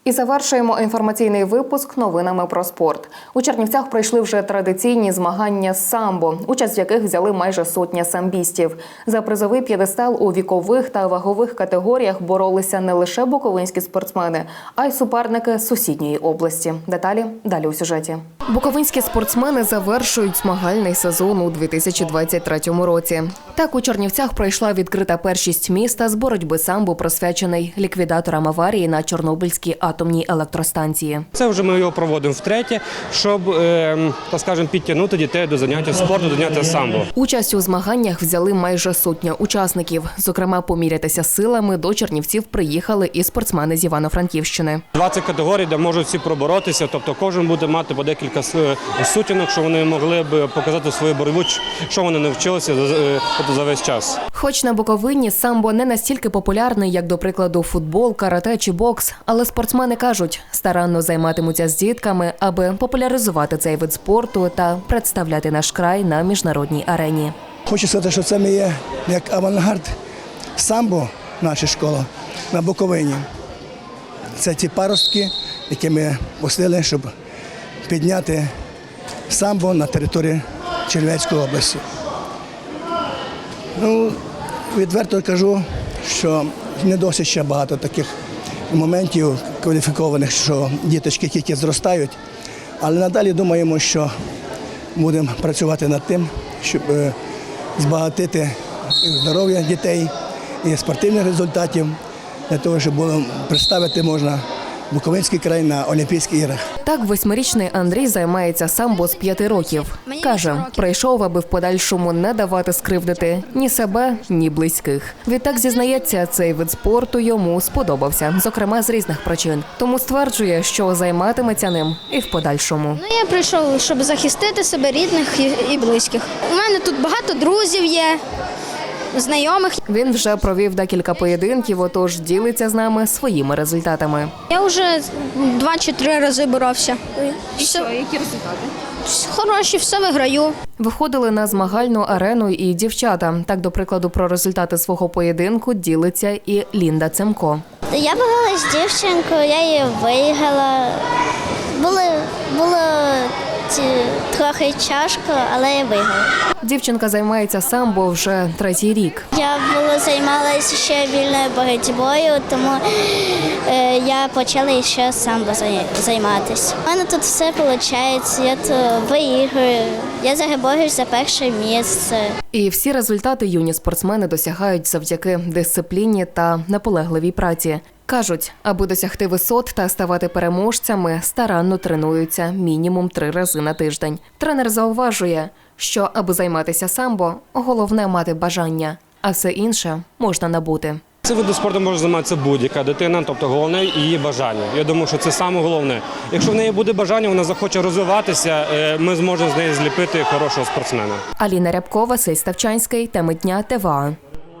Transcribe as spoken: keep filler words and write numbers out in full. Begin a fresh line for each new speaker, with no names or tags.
І завершуємо інформаційний випуск новинами про спорт. У Чернівцях пройшли вже традиційні змагання з самбо, участь в яких взяли майже сотня самбістів. За призовий п'єдестал у вікових та вагових категоріях боролися не лише буковинські спортсмени, а й суперники з сусідньої області. Деталі далі у сюжеті. Буковинські спортсмени завершують змагальний сезон у дві тисячі двадцять третьому році. Так, у Чернівцях пройшла відкрита першість міста з боротьби самбо, присвячений ліквідаторам аварії на Чорнобильській атомній електростанції.
Це вже ми його проводимо втретє, щоб, е, так скажемо, підтягнути дітей до заняття спорту, до заняття самбо.
Участь у змаганнях взяли майже сотня учасників. Зокрема, помірятися силами до Чернівців приїхали і спортсмени з Івано-Франківщини.
двадцять категорій, де можуть всі проборотися, тобто кожен буде мати по декілька сутінок, що вони могли б показати свою боротьбу, що вони навчилися за весь час.
Хоч на Буковині самбо не настільки популярний, як, до прикладу, футбол, карате чи бокс, але спортсмени кажуть, старанно займатимуться з дітками, аби популяризувати цей вид спорту та представляти наш край на міжнародній арені.
Хочу сказати, що це ми є як авангард самбо, наша школа, на Буковині. Це ті паростки, які ми пустили, щоб підняти самбо на території Чернівецької області. Ну, відверто кажу, що не досить ще багато таких моментів кваліфікованих, що діточки тільки зростають, але надалі думаємо, що будемо працювати над тим, щоб збагатити здоров'я дітей і спортивних результатів, для того, щоб було представити можна Буковинський край на Олімпійських іграх.
Так, восьмирічний Андрій займається самбо з п'яти років. Каже, прийшов, аби в подальшому не давати скривдити ні себе, ні близьких. Відтак, зізнається, цей вид спорту йому сподобався, зокрема з різних причин. Тому стверджує, що займатиметься ним і в подальшому.
Ну, я прийшов, щоб захистити себе, рідних і близьких. У мене тут багато друзів є, знайомих.
Він вже провів декілька поєдинків, отож ділиться з нами своїми результатами.
Я вже два чи три рази боровся.
І що, які результати?
Хороші, все виграю.
Виходили на змагальну арену і дівчата. Так, до прикладу, про результати свого поєдинку ділиться і Лінда Цемко.
Я боролась з дівчинкою, я її виграла. Було, було трохи тяжко, але я виграла.
Дівчинка займається самбо вже третій рік.
Я було займалася ще вільною боротьбою, тому е, я почала ще самбо займатися. У мене тут все виходить, я тут виіграю, я зараз борюсь за перше місце.
І всі результати юні спортсмени досягають завдяки дисципліні та наполегливій праці. Кажуть, аби досягти висот та ставати переможцями, старанно тренуються мінімум три рази на тиждень. Тренер зауважує, що аби займатися самбо, головне мати бажання, а все інше можна набути.
Цим видом спорту може займатися будь-яка дитина, тобто головне її бажання. Я думаю, що це саме головне. Якщо в неї буде бажання, вона захоче розвиватися, ми зможемо з неї зліпити хорошого спортсмена.
Аліна Рябкова, Василь Ставчанський, теми дня, ТВА.